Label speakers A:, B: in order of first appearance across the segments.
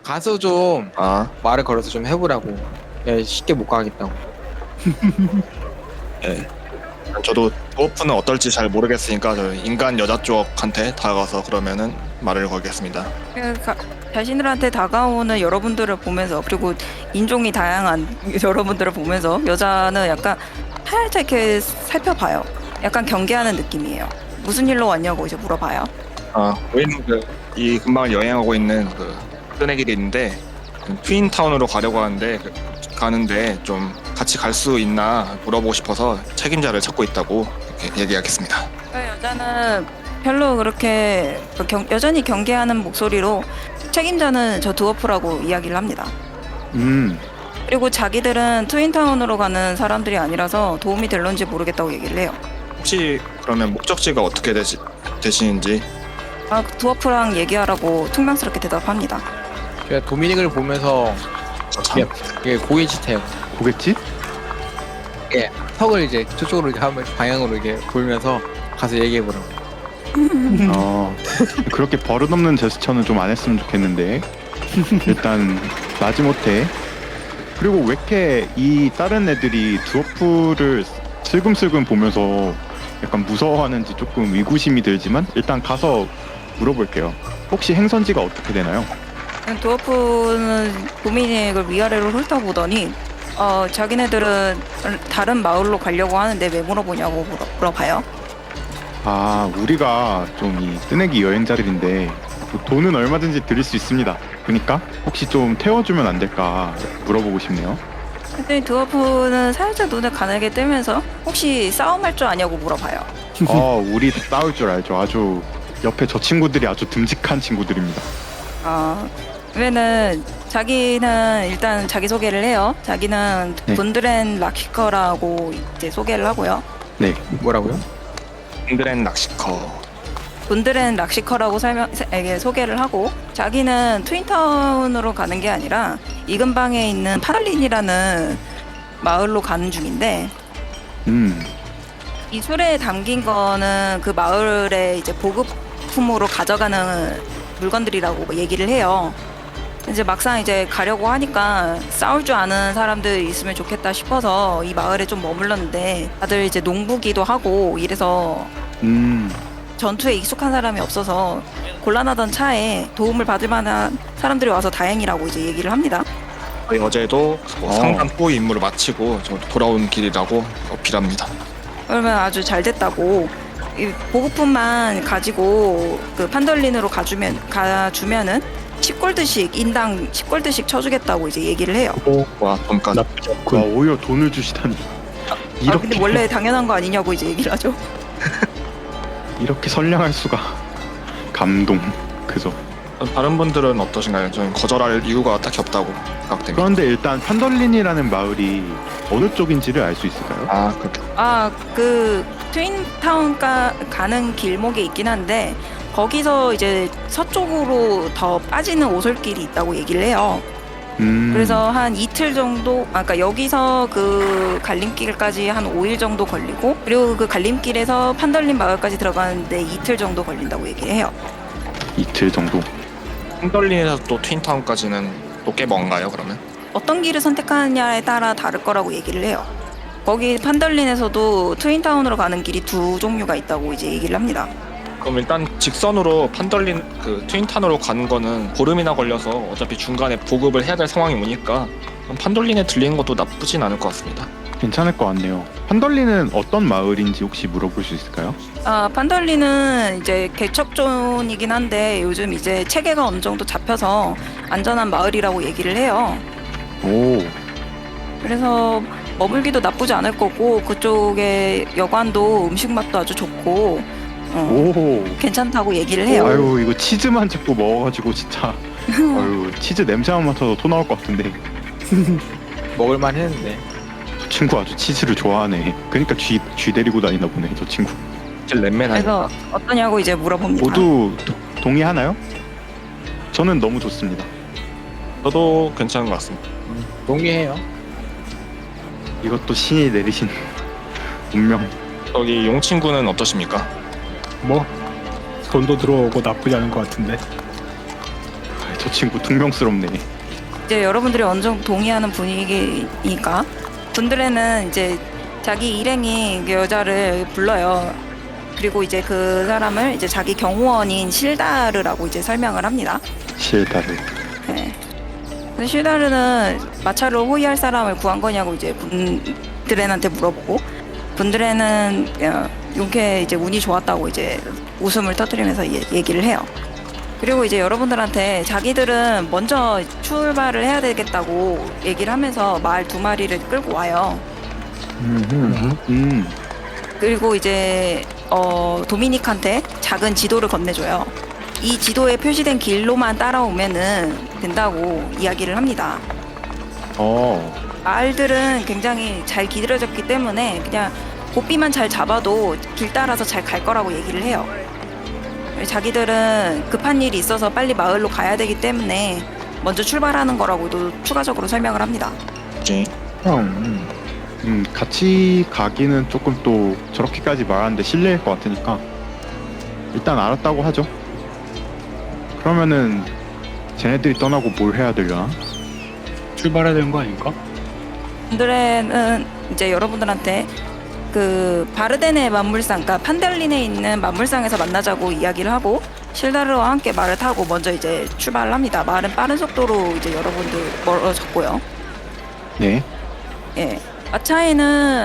A: 가서 좀
B: 아,
A: 말을 걸어서 좀 해보라고. 야, 쉽게 못 가겠다고.
B: 예. 저도 드워프는 어떨지 잘 모르겠으니까 저 인간 여자 쪽한테 다가가서 그러면은 말을 걸겠습니다.
C: 그러니까 자신들한테 다가오는 여러분들을 보면서 그리고 인종이 다양한 여러분들을 보면서 여자는 약간 살짝 이렇게 살펴봐요. 약간 경계하는 느낌이에요. 무슨 일로 왔냐고 이제 물어봐요.
B: 저희는 이 근방을 여행하고 있는 끈의 길이 있는데 트윈타운으로 가려고 하는데 가는데 좀 같이 갈 수 있나 물어보고 싶어서 책임자를 찾고 있다고 이렇게 얘기하겠습니다.
C: 여자는 별로 그렇게 여전히 경계하는 목소리로 책임자는 저 드워프라고 이야기를 합니다. 그리고 자기들은 트윈타운으로 가는 사람들이 아니라서 도움이 될런지 모르겠다고 얘기를 해요.
B: 혹시 그러면 목적지가 어떻게 되시는지?
C: 드워프랑 얘기하라고 퉁명스럽게 대답합니다.
A: 제가 도미닉을 보면서 이게 고깃짓해요.
D: 고깃집?
A: 턱을 이제 저쪽으로 이렇게 하면 방향으로 이렇게 돌면서 가서 얘기해보라고.
D: 그렇게 버릇없는 제스처는 좀 안 했으면 좋겠는데 일단 마지못해. 그리고 왜 이렇게 이 다른 애들이 드워프를 슬금슬금 보면서 약간 무서워하는지 조금 의구심이 들지만 일단 가서 물어볼게요. 혹시 행선지가 어떻게 되나요?
C: 드워프는 도미닉을 위아래로 훑어보더니 자기네들은 다른 마을로 가려고 하는데 왜 물어보냐고 물어봐요.
D: 우리가 좀 이 뜨내기 여행자들인데 돈은 얼마든지 드릴 수 있습니다. 그러니까 혹시 좀 태워주면 안 될까 물어보고 싶네요.
C: 근데 드워프는 살짝 눈을 가늘게 뜨면서 혹시 싸움할 줄 아냐고 물어봐요.
D: 우리 싸울 줄 알죠. 아주 옆에 저 친구들이 아주 듬직한 친구들입니다.
C: 그러면은 자기는 일단 자기 소개를 해요. 자기는
D: 네.
C: 분드렌 락시커라고 이제 소개를 하고요.
D: 네.
A: 뭐라고요?
B: 잉그랜 낚시커.
C: 분드렌 락시커라고 소개를 하고 자기는 트윈타운으로 가는 게 아니라 이 근방에 있는 파달린이라는 마을로 가는 중인데 이 술에 담긴 거는 그 마을에 이제 보급품으로 가져가는 물건들이라고 얘기를 해요. 이제 막상 이제 가려고 하니까 싸울 줄 아는 사람들 있으면 좋겠다 싶어서 이 마을에 좀 머물렀는데 다들 이제 농부기도 하고 이래서 전투에 익숙한 사람이 없어서 곤란하던 차에 도움을 받을 만한 사람들이 와서 다행이라고 이제 얘기를 합니다.
B: 저희 어제도 상담 후의 임무를 마치고 저 돌아온 길이라고 어필합니다.
C: 그러면 아주 잘 됐다고 이 보급품만 가지고 그 판덜린으로 가주면은 10골드씩 인당 10골드씩 쳐주겠다고 이제 얘기를 해요.
B: 와, 돈까지.
D: 와, 오히려 돈을 주시다니.
C: 근데 원래 당연한 거 아니냐고 이제 얘기를 하죠.
D: 이렇게 선량할 수가. 감동. 그죠.
B: 다른 분들은 어떠신가요? 저는 거절할 이유가 딱히 없다고 생각됩니다.
D: 그런데 일단 판덜린이라는 마을이 어느 쪽인지를 알 수 있을까요?
B: 그렇게.
C: 그 트윈타운 가는 길목에 있긴 한데 거기서 이제 서쪽으로 더 빠지는 오솔길이 있다고 얘기를 해요. 그래서 한 이틀 정도, 그러니까 여기서 그 갈림길까지 한 5일 정도 걸리고 그리고 그 갈림길에서 판덜린 마을까지 들어가는데 이틀 정도 걸린다고 얘기를 해요.
D: 이틀 정도.
B: 흔들린에서 또 트윈타운까지는 또 꽤 먼가요, 그러면?
C: 어떤 길을 선택하느냐에 따라 다를 거라고 얘기를 해요. 거기 판덜린에서도 트윈타운으로 가는 길이 두 종류가 있다고 이제 얘기를 합니다.
B: 그럼 일단 직선으로 판덜린 트윈타운으로 가는 거는 보름이나 걸려서 어차피 중간에 보급을 해야 될 상황이 오니까 그럼 판덜린에 들리는 것도 나쁘진 않을 것 같습니다.
D: 괜찮을 것 같네요. 판덜린은 어떤 마을인지 혹시 물어볼 수 있을까요?
C: 판덜린은 이제 개척존이긴 한데 요즘 이제 체계가 어느 정도 잡혀서 안전한 마을이라고 얘기를 해요.
D: 오.
C: 그래서 머물기도 나쁘지 않을 거고 그쪽에 여관도 음식 맛도 아주 좋고
D: 오.
C: 괜찮다고 얘기를 해요.
D: 아유, 이거 치즈만 자꾸 먹어가지고 진짜. 아유, 치즈 냄새만 맡아도 토 나올 것 같은데.
A: 먹을만 했는데.
D: 저 친구 아주 치즈를 좋아하네. 그러니까 쥐 데리고 다니나 보네, 저 친구.
B: 렌맨
C: 그래서 어떠냐고 이제 물어봅니다.
D: 모두 동의하나요? 저는 너무 좋습니다.
B: 저도 괜찮은 것 같습니다.
A: 동의해요.
D: 이것도 신이 내리신 운명.
B: 저기 용 친구는 어떠십니까?
E: 뭐 돈도 들어오고 나쁘지 않은 것 같은데.
D: 저 친구 퉁명스럽네.
C: 이제 여러분들이 어느 정도 동의하는 분위기니까 군드레는 이제 자기 일행이 그 여자를 불러요. 그리고 이제 그 사람을 이제 자기 경호원인 실다르라고 이제 설명을 합니다.
D: 실다를.
C: 네. 근데 실다르는 마차를 호위할 사람을 구한 거냐고 이제 군드렌한테 물어보고, 군드렌은 용케 이제 운이 좋았다고 이제 웃음을 터뜨리면서 얘기를 해요. 그리고 이제 여러분들한테 자기들은 먼저 출발을 해야 되겠다고 얘기를 하면서 말 2마리를 끌고 와요. 그리고 이제 도미닉한테 작은 지도를 건네줘요. 이 지도에 표시된 길로만 따라오면은 된다고 이야기를 합니다. 말들은 굉장히 잘 기다려졌기 때문에 그냥 고삐만 잘 잡아도 길 따라서 잘 갈 거라고 얘기를 해요. 자기들은 급한 일이 있어서 빨리 마을로 가야 되기 때문에 먼저 출발하는 거라고도 추가적으로 설명을 합니다.
B: 그치?
D: 같이 가기는 조금 또 저렇게까지 말하는데 실례일 것 같으니까 일단 알았다고 하죠. 그러면은 쟤네들이 떠나고 뭘 해야 되려나?
E: 출발해야 되는 거 아닌가?
C: 군드레는 이제 여러분들한테 그 바르덴의 만물상, 그러니까 판델린에 있는 만물상에서 만나자고 이야기를 하고 실다르와 함께 말을 타고 먼저 이제 출발을 합니다. 말은 빠른 속도로 이제 여러분들 멀어졌고요.
D: 네.
C: 예. 마차에는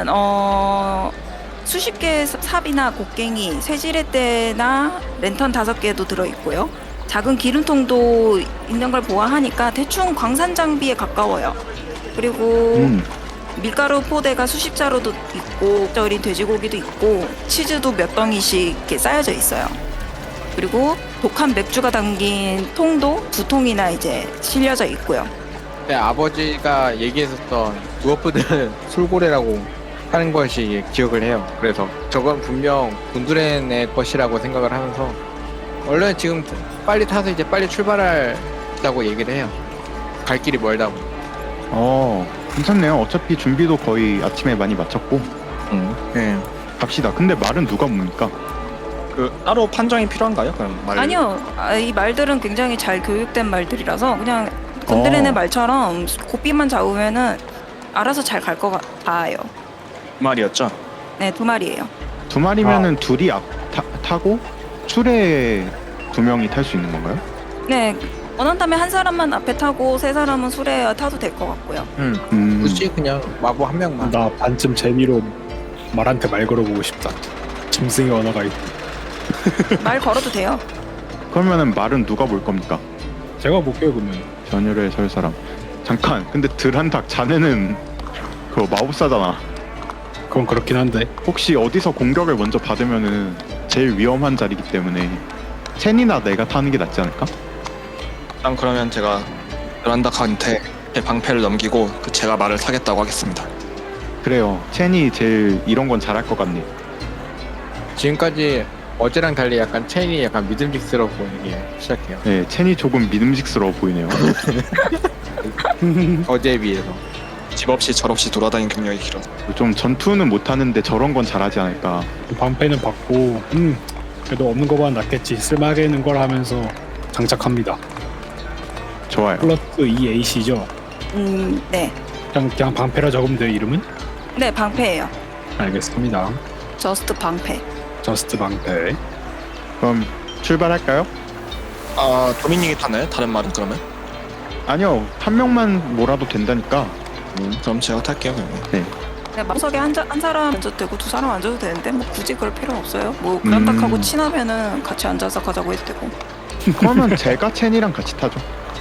C: 수십 개의 삽이나 곡괭이, 쇠지렛대나 랜턴 5개도 들어있고요. 작은 기름통도 있는 걸 보아하니까 대충 광산 장비에 가까워요. 그리고 밀가루 포대가 수십 자루도 있고, 절인 돼지고기도 있고, 치즈도 몇 덩이씩 이렇게 쌓여져 있어요. 그리고 독한 맥주가 담긴 통도 2통이나 이제 실려져 있고요.
A: 네, 아버지가 얘기했었던 두어프들은 술고래라고 하는 것이 기억을 해요. 그래서 저건 분명 군두렌의 것이라고 생각을 하면서 원래 지금 빨리 타서 이제 빨리 출발하자고 얘기를 해요. 갈 길이 멀다고.
D: 괜찮네요. 어차피 준비도 거의 아침에 많이 마쳤고
A: 네.
D: 갑시다. 근데 말은 누가 뭡니까?
B: 그 따로 판정이 필요한가요? 그럼 말.
C: 아니요, 이 말들은 굉장히 잘 교육된 말들이라서 그냥 군드렌의 말처럼 고삐만 잡으면은 알아서 잘 갈 것 같아요.
B: 말이었죠.
C: 네, 2마리예요.
D: 2마리면은 둘이 타고 술에 2명이 탈 수 있는 건가요?
C: 네, 원한다면 한 사람만 앞에 타고 3사람은 술에 타도 될 것 같고요.
A: 굳이 그냥 마부 한 명만.
E: 나 반쯤 재미로 말한테 말 걸어보고 싶다. 짐승의 언어가 있고.
C: 말 걸어도 돼요.
D: 그러면은 말은 누가 볼 겁니까?
E: 제가 볼게요 그러면.
D: 전율에 설 사람. 잠깐. 근데 드란닥 자네는 그거 마법사잖아.
E: 그건 그렇긴 한데.
D: 혹시 어디서 공격을 먼저 받으면은 제일 위험한 자리이기 때문에 첸이나 내가 타는 게 낫지 않을까?
B: 일단 그러면 제가 란다카한테 제 방패를 넘기고 제가 말을 타겠다고 하겠습니다.
D: 그래요. 첸이 제일 이런 건 잘할 것 같네.
A: 지금까지 어제랑 달리 약간 체인이 약간 믿음직스러워 보이게 시작해요.
D: 네, 첸이 조금 믿음직스러워 보이네요.
A: 어제에 비해서.
B: 집 없이 절 없이 돌아다니는 경력이 길어.
D: 좀 전투는 못하는데 저런 건 잘하지 않을까.
E: 방패는 받고 그래도 없는 거보다 낫겠지. 쓸만하게 있는 걸 하면서 장착합니다.
D: 좋아요.
E: 플러스 2A시죠?
C: 네.
E: 그냥 방패라 적으면 돼요 이름은?
C: 네, 방패예요.
E: 알겠습니다.
C: 저스트 방패.
E: 저스트 방패.
D: 그럼 출발할까요?
B: 아 도미닉이 타나요? 다른 말은 그러면?
D: 아니요. 한 명만 몰아도 된다니까.
B: 그럼 제가 탈게요 그러면.
C: 네, 마석에 한 사람 앉아도 되고 2사람 앉아도 되는데 뭐 굳이 그럴 필요는 없어요. 뭐 그란닥하고 친하면은 같이 앉아서 가자고 해도 되고.
D: 그러면 제가 첸이랑 같이 타죠.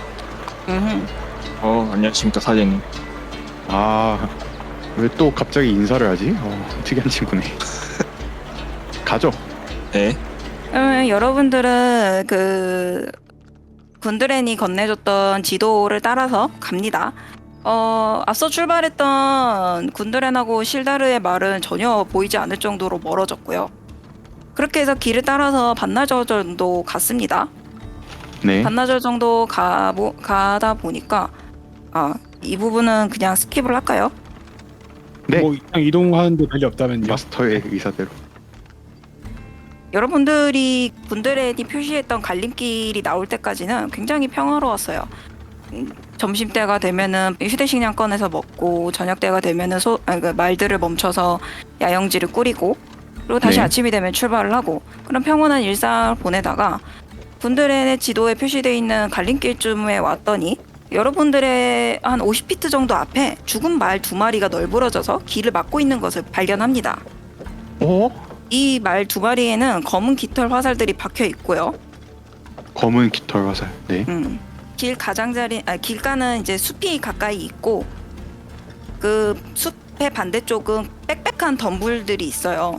B: 안녕하십니까 사장님.
D: 아, 왜 또 갑자기 인사를 하지? 특이한 친구네. 가죠.
B: 네.
C: 그러면 여러분들은 그 군드렌이 건네줬던 지도를 따라서 갑니다. 앞서 출발했던 군드렌하고 실다르의 말은 전혀 보이지 않을 정도로 멀어졌고요. 그렇게 해서 길을 따라서 반나절 정도 갔습니다.
D: 네.
C: 반나절 정도 가다 보니까 이 부분은 그냥 스킵을 할까요?
D: 네.
E: 뭐 그냥 이동하는데 별일 없다면요.
D: 마스터의 의사대로.
C: 여러분들이 군드렌이 표시했던 갈림길이 나올 때까지는 굉장히 평화로웠어요. 점심때가 되면은 휴대식량 꺼내서 먹고 저녁때가 되면은 말들을 멈춰서 야영지를 꾸리고 그리고 다시
D: 네.
C: 아침이 되면 출발을 하고 그런 평온한 일상을 보내다가 군드렌의 지도에 표시되어 있는 갈림길쯤에 왔더니 여러분들의 한 50피트 정도 앞에 죽은 말 2마리가 널브러져서 길을 막고 있는 것을 발견합니다.
D: 어?
C: 이 말 2마리에는 검은 깃털 화살들이 박혀 있고요.
D: 검은 깃털 화살. 네.
C: 길 가장자리, 길가는 이제 숲이 가까이 있고 그 숲의 반대쪽은 빽빽한 덤불들이 있어요.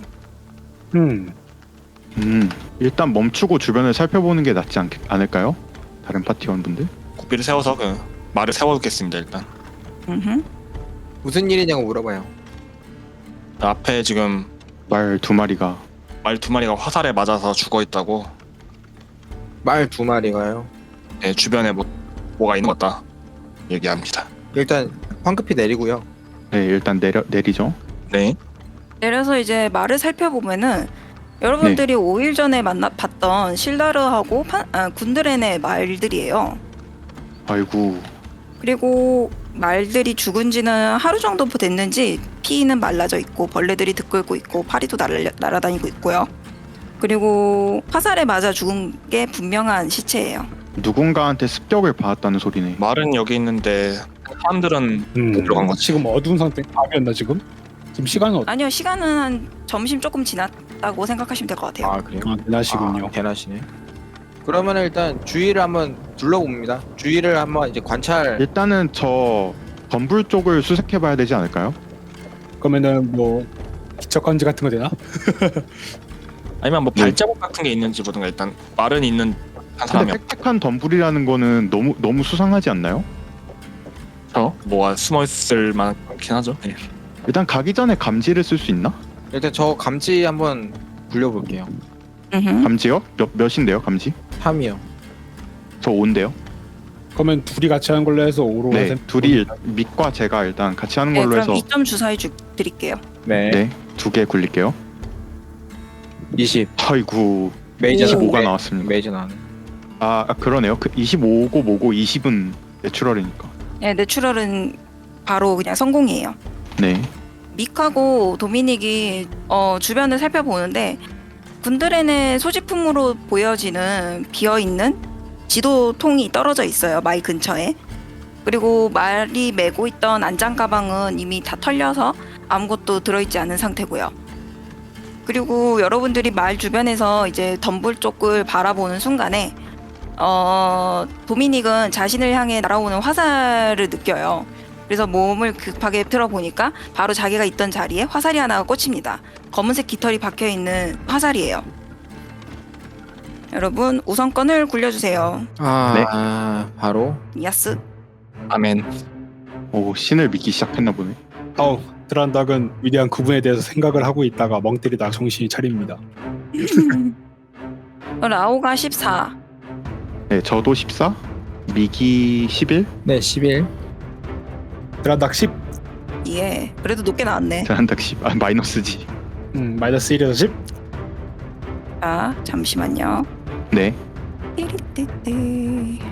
D: 일단 멈추고 주변을 살펴보는 게 낫지 않을까요? 다른 파티원분들?
B: 고삐를 세워서 그 말을 세워두겠습니다. 일단
C: 음흠.
A: 무슨 일이냐고 물어봐요.
B: 앞에 지금
D: 말 2마리가
B: 말 2마리가 화살에 맞아서 죽어 있다고.
A: 말 2마리가요.
B: 네, 주변에 뭐가 있는 것 같다 얘기합니다.
A: 일단 황급히 내리고요.
D: 네, 일단 내리죠.
B: 네.
C: 내려서 이제 말을 살펴보면은 여러분들이 5일 전에 봤던 실다르하고 군드렌의 말들이에요.
D: 아이고.
C: 그리고 말들이 죽은 지는 하루 정도 됐는지 피는 말라져 있고 벌레들이 들끓고 있고 파리도 날아다니고 있고요. 그리고 화살에 맞아 죽은 게 분명한 시체예요.
D: 누군가한테 습격을 받았다는 소리네.
B: 말은 여기 있는데 사람들은 들어간 거지.
E: 지금 어두운 상태. 밤이었나 지금? 지금 시간은
C: 아니요, 시간은 한 점심 조금 지났다고 생각하시면 될 것 같아요.
A: 아 그래요?
E: 대낮이군요.
A: 대낮이네. 그러면 일단 주위를 한번 둘러봅니다. 주위를 한번 이제 관찰.
D: 일단은 저 덤불 쪽을 수색해봐야 되지 않을까요?
E: 그러면은 뭐 기척건지 같은 거 되나?
B: 아니면 뭐
D: 네.
B: 발자국 같은 게 있는지 보든가. 일단 말은 있는 한 사람이
D: 근데 빽빽한 덤불이라는 거는 너무 수상하지 않나요?
B: 없죠. 뭐가 숨어 있을 만하긴 하죠. 네.
D: 일단 가기 전에 감지를 쓸 수 있나?
A: 일단 저 감지 한번 굴려볼게요.
C: 음흠.
D: 감지요? 몇인데요 감지?
A: 3이요.
D: 저 5인데요.
E: 그러면 둘이 같이 하는 걸로 해서 5로
D: 네, 둘이 밑과 제가 일단 같이 하는
C: 네,
D: 걸로
C: 그럼
D: 해서
C: 2점 주사위 드릴게요.
A: 네.
D: 네, 2개 굴릴게요.
A: 20.
D: 아이고,
A: 메이저
D: 25가 나왔습니다.
A: 메이저 나네.
D: 그러네요. 그 25고 뭐고 20은 내추럴이니까.
C: 네, 내추럴은 바로 그냥 성공이에요.
D: 네.
C: 믹하고 도미닉이 주변을 살펴보는데 군드렌의 소지품으로 보여지는 비어있는 지도통이 떨어져 있어요. 말 근처에. 그리고 말이 메고 있던 안장 가방은 이미 다 털려서 아무것도 들어있지 않은 상태고요. 그리고 여러분들이 말 주변에서 이제 덤불 쪽을 바라보는 순간에 도미닉은 자신을 향해 날아오는 화살을 느껴요. 그래서 몸을 급하게 틀어보니까 바로 자기가 있던 자리에 화살이 하나가 꽂힙니다. 검은색 깃털이 박혀있는 화살이에요. 여러분 우선권을 굴려주세요.
A: 바로
C: 야스.
B: 아멘.
D: 오, 신을 믿기 시작했나 보네.
E: 드란닥은 위대한 그분에 대해서 생각을 하고 있다가 멍 때리다가 정신이 차립니다.
C: 라오가 14.
D: 네, 저도 14, 미기 11,
A: 네 11.
E: 드란닥 10,
C: 예. 그래도 높게 나왔네.
D: 드란닥 10. 마이너스지.
E: 마이너스 1에서 10.
C: 자, 잠시만요.
D: 네.
C: 띠리띠띠.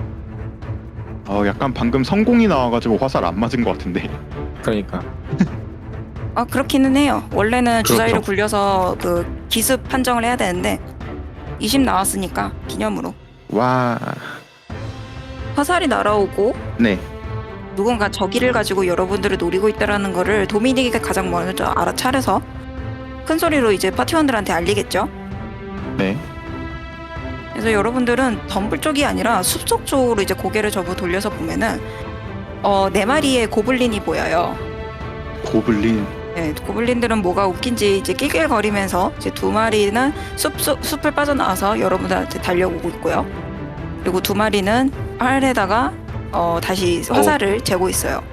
D: 약간 방금 성공이 나와가지고 화살 안 맞은 것 같은데.
A: 그러니까.
C: 그렇기는 해요. 원래는 주사위를
D: 그렇죠.
C: 굴려서 그 기습 판정을 해야 되는데 20 나왔으니까 기념으로
D: 와.
C: 화살이 날아오고
D: 네.
C: 누군가 저기를 가지고 여러분들을 노리고 있다라는 거를 도미닉이 가장 먼저 알아차려서 큰 소리로 이제 파티원들한테 알리겠죠.
D: 네.
C: 그래서 여러분들은 덤불 쪽이 아니라 숲속 쪽으로 이제 고개를 돌려서 보면은 4마리의 고블린이 보여요.
D: 고블린.
C: 네, 고블린들은 뭐가 웃긴지 이제 낄낄거리면서 이제 2마리는 숲을 빠져나와서 여러분들한테 달려오고 있고요. 그리고 2마리는 활에다가 다시 화살을 재고 있어요.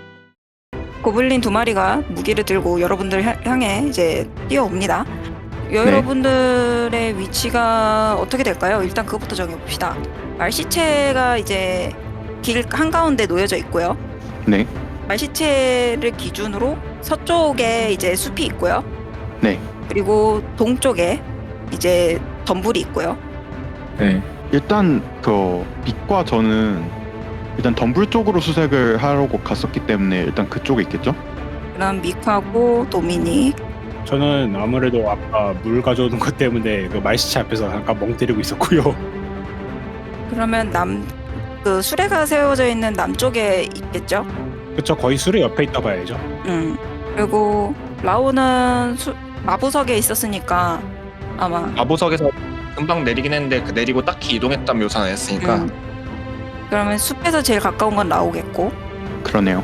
C: 고블린 2마리가 무기를 들고 여러분들 향해 이제 뛰어옵니다. 여러분들의 위치가 어떻게 될까요? 일단 그것부터 정해봅시다. 말시체가 이제 길 한가운데 놓여져 있고요.
D: 네.
C: 말시체를 기준으로 서쪽에 이제 숲이 있고요.
D: 네.
C: 그리고 동쪽에 이제 덤불이 있고요.
A: 네.
D: 일단 그 빛과 저는 일단 덤불 쪽으로 수색을 하려고 갔었기 때문에 일단 그쪽에 있겠죠?
C: 그다음 미카고 도미닉.
E: 저는 아무래도 아까 물 가져오는 것 때문에 그 말시체 앞에서 잠깐 멍 때리고 있었고요.
C: 그러면 그 수레가 세워져 있는 남쪽에 있겠죠?
E: 그쵸, 거의 수레 옆에 있다 봐야죠.
C: 그리고 라오는 마부석에 있었으니까 아마
B: 마보석에서 금방 내리긴 했는데 그 내리고 딱히 이동했다는 묘사는 안 했으니까
C: 그러면 숲에서 제일 가까운 건 라오겠고.
D: 그러네요.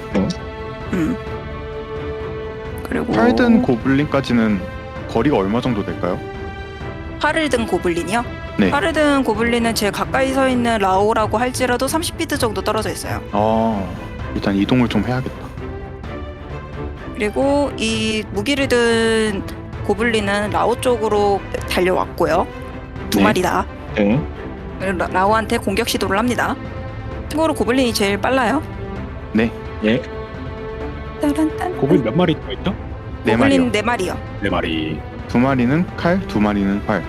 C: 그리고
D: 활든 고블린까지는 거리가 얼마 정도 될까요?
C: 활을 든 고블린이요?
D: 네.
C: 활을 든 고블린은 제일 가까이 서 있는 라오라고 할지라도 30피트 정도 떨어져 있어요.
D: 일단 이동을 좀 해야겠다.
C: 그리고 이 무기를 든 고블린은 라오 쪽으로 달려왔고요. 두
D: 네.
C: 마리다.
B: 네.
C: 라오한테 공격 시도를 합니다. 참고로 고블린이 제일 빨라요.
D: 네.
B: 예.
C: 따란딴.
E: 고블린 몇 마리 있죠?
D: 네 마리요.
C: 고블린 4마리요.
E: 4마리.
D: 2마리는 칼, 2마리는 활.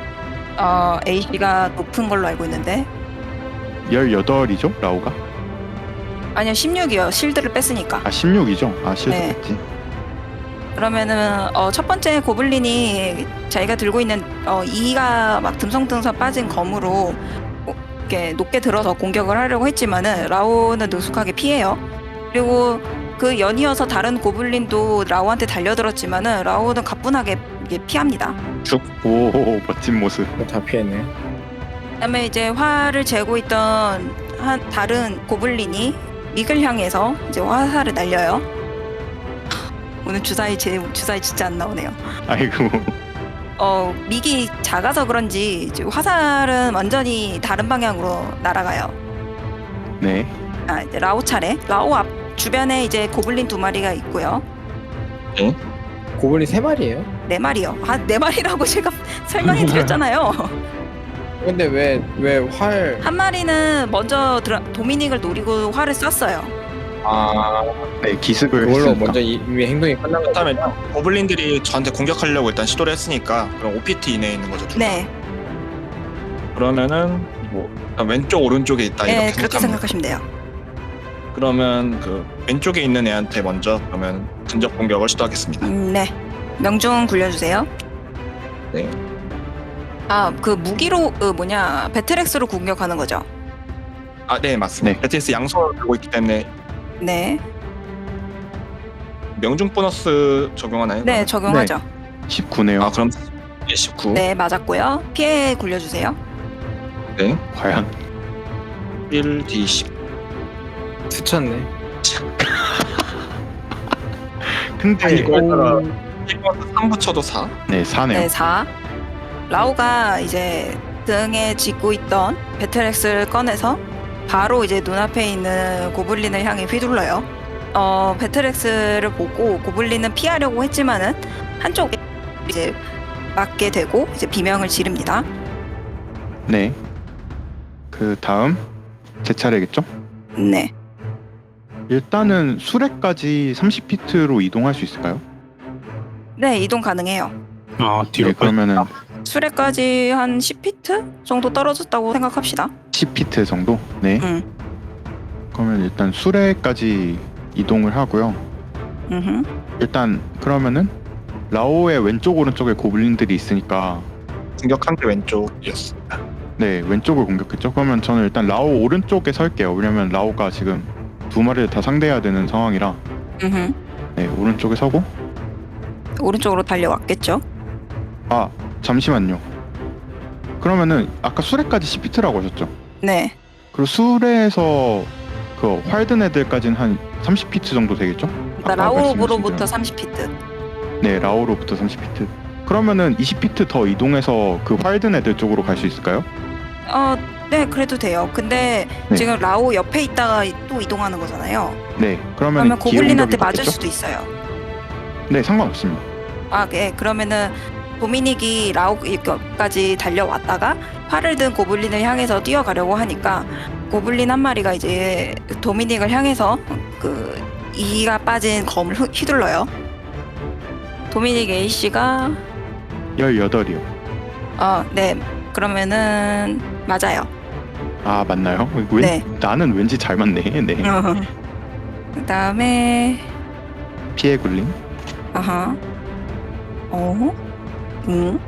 C: AC가 높은 걸로 알고 있는데
D: 18이죠? 라오가?
C: 아니요 16이요. 실드를 뺐으니까.
D: 16이죠? 실드
C: 네.
D: 뺐지.
C: 그러면은 첫 번째 고블린이 자기가 들고 있는 이가 막 듬성듬성 빠진 검으로 이렇게 높게 들어서 공격을 하려고 했지만은 라오는 능숙하게 피해요. 그리고 그 연이어서 다른 고블린도 라오한테 달려들었지만은 라오는 가뿐하게 이게 피합니다.
D: 오, 멋진 모습.
A: 다 피했네.
C: 그다음에 이제 활을 재고 있던 다른 고블린이 믹을 향해서 이제 화살을 날려요. 오늘 주사위 진짜 안 나오네요.
D: 아이고.
C: 믹이 작아서 그런지 이제 화살은 완전히 다른 방향으로 날아가요.
D: 네.
C: 이제 라오 차례. 라오 앞 주변에 이제 고블린 2마리가 있고요.
A: 고블린 3마리예요?
C: 4마리요. 4마리라고 제가 설명해 드렸잖아요.
A: 근데 왜 활?
C: 한 마리는 먼저 도미닉을 노리고 활을 쐈어요.
D: 네, 기습을
A: 그걸로
D: 했으니까.
A: 먼저 이미 행동이 끝난 거
B: 그다음에 고블린들이 저한테 공격하려고 일단 시도를 했으니까 그럼 OPT 이내에 있는 거죠. 둘 다.
C: 네,
B: 그러면은 뭐 일단 왼쪽 오른쪽에 있다
C: 네
B: 이렇게
C: 그렇게
B: 생각하면
C: 생각하시면 돼요.
B: 그러면 그 왼쪽에 있는 애한테 먼저 그러면 근접 공격을 시도하겠습니다.
C: 네, 명중 굴려주세요.
B: 네.
C: 그 무기로 배틀엑스로 공격하는 거죠.
B: 네 맞습니다.
D: 네.
B: 베티스 양손을 들고 있기 때문에
C: 네,
B: 명중 보너스 적용하나요?
C: 네 적용하죠.
D: 19네요.
B: 그럼 19.
C: 네 맞았고요. 피해 굴려주세요.
B: 네.
D: 과연
B: 1d10.
A: 스쳤네.
D: 근데
B: 이거에 따라 1번 3 붙여도 4.
D: 네, 4네요.
C: 네 4. 라오가 이제 등에 짚고 있던 배틀엑스를 꺼내서 바로 이제 눈앞에 있는 고블린을 향해 휘둘러요. 배틀엑스를 보고 고블린은 피하려고 했지만은 한쪽에 이제 맞게 되고 이제 비명을 지릅니다.
D: 네. 그 다음 제 차례겠죠?
C: 네.
D: 일단은 수레까지 30피트로 이동할 수 있을까요?
C: 네, 이동 가능해요.
E: 뒤로
D: 네, 그러면은
C: 수레까지 한 10피트 정도 떨어졌다고 생각합시다.
D: 10피트 정도? 네. 그러면 일단 수레까지 이동을 하고요. 일단 그러면은 라오의 왼쪽 오른쪽에 고블린들이 있으니까
B: 공격한 게 왼쪽이었습니다.
D: 네, 왼쪽을 공격했죠. 그러면 저는 일단 라오 오른쪽에 설게요. 왜냐면 라오가 지금 2마리를 다 상대해야 되는 상황이라. 네, 오른쪽에 서고.
C: 오른쪽으로 달려왔겠죠.
D: 잠시만요. 그러면은 아까 수레까지 10피트라고 하셨죠?
C: 네.
D: 그리고 수레에서 그 활든 애들까지는 한 30피트 정도 되겠죠? 아까
C: 라오로부터
D: 말씀하신
C: 30피트.
D: 대로. 네, 라오로부터 30피트. 그러면은 20피트 더 이동해서 그 활든 애들 쪽으로 갈 수 있을까요?
C: 네, 그래도 돼요. 근데
D: 네.
C: 지금 라오 옆에 있다가 또 이동하는 거잖아요.
D: 네, 그러면
C: 그러면
D: 기회
C: 고블린한테
D: 공격이
C: 맞을
D: 받겠죠?
C: 수도 있어요.
D: 네, 상관없습니다.
C: 네. 그러면은 도미닉이 라오까지 달려왔다가 활을 든 고블린을 향해서 뛰어가려고 하니까 고블린 한 마리가 이제 도미닉을 향해서 그 이가 빠진 검을 휘둘러요. 도미닉 A씨가
D: 18이요.
C: 네. 그러면은 맞아요.
D: 아, 맞나요?
C: 네.
D: 나는 왠지 잘 맞네. 네.
C: 그다음에
D: 피해 굴림.
C: 아하. 응?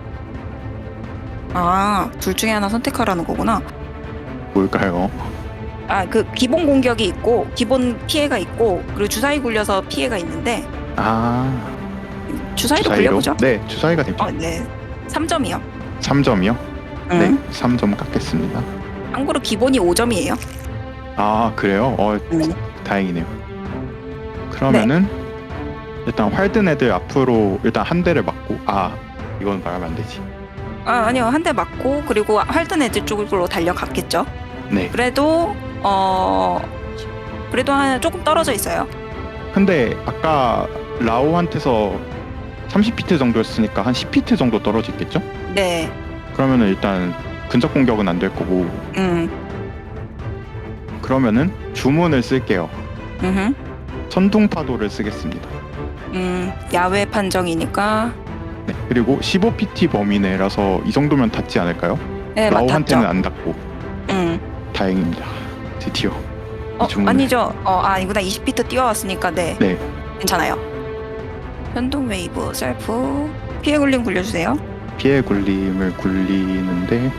C: 둘 중에 하나 선택하라는 거구나.
D: 뭘까요?
C: 그 기본 공격이 있고 기본 피해가 있고 그리고 주사위 굴려서 피해가 있는데
D: 아,
C: 주사위도
D: 주사위로?
C: 굴려보죠.
D: 네, 주사위가 되죠.
C: 네. 3점이요.
D: 3점이요?
C: 응.
D: 네, 3점 깎겠습니다.
C: 참고로 기본이 5점이에요.
D: 아, 그래요? 다행이네요. 그러면은 일단 활든 애들 앞으로 일단 한 대를 맞고, 이건 말하면 안 되지.
C: 아니요. 한 대 맞고 그리고 활든 애들 쪽으로 달려갔겠죠.
D: 네.
C: 그래도 조금 떨어져 있어요.
D: 근데 아까 라오한테서 30피트 정도였으니까 한 10피트 정도 떨어져 있겠죠?
C: 네.
D: 그러면은 일단 근접 공격은 안 될 거고, 그러면은 주문을 쓸게요. 천둥파도를 쓰겠습니다.
C: 야외 판정이니까.
D: 네. 그리고 15pt 범위 내라서 이 정도면 닿지 않을까요?
C: 네,
D: 라오한테는
C: 맞았죠.
D: 안 닿고 다행입니다. 드디어 이 주문을.
C: 아니죠. 아니구나. 20피트 뛰어왔으니까 네.
D: 네.
C: 괜찮아요. 현동 웨이브 셀프 피해 굴림 굴려주세요.
D: 피해 굴림을 굴리는데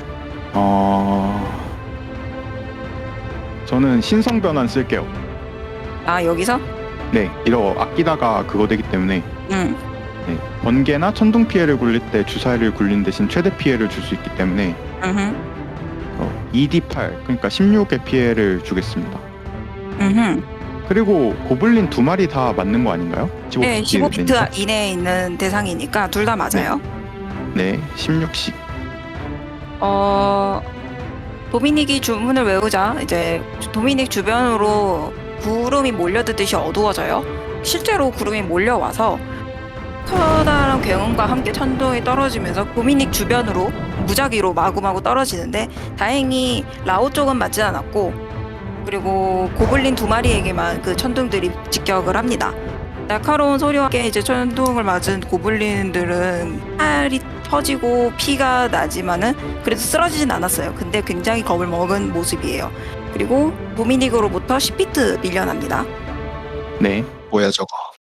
D: 저는 신성 변환 쓸게요.
C: 여기서?
D: 네, 이거 아끼다가 그거 되기 때문에
C: 응.
D: 네, 번개나 천둥 피해를 굴릴 때 주사위를 굴린 대신 최대 피해를 줄 수 있기 때문에 2d8 그러니까 16의 피해를 주겠습니다. 그리고 고블린 2마리 다 맞는 거 아닌가요? 15피트
C: 네, 15피트
D: 되니까.
C: 이내에 있는 대상이니까 둘 다 맞아요.
D: 네, 16씩.
C: 도미닉이 주문을 외우자 이제 도미닉 주변으로 구름이 몰려드듯이 어두워져요. 실제로 구름이 몰려와서 커다란 굉음과 함께 천둥이 떨어지면서 도미닉 주변으로 무작위로 마구마구 떨어지는데 다행히 라오 쪽은 맞지 않았고 그리고 고블린 2마리에게만 그 천둥들이 직격을 합니다. 날카로운 소리와 함께 이제 천둥을 맞은 고블린들은 팔이 터지고 피가 나지만은 그래도 쓰러지진 않았어요. 근데 굉장히 겁을 먹은 모습이에요. 그리고 도미닉으로부터 10피트 밀려납니다.
D: 네,
B: 뭐야 저거.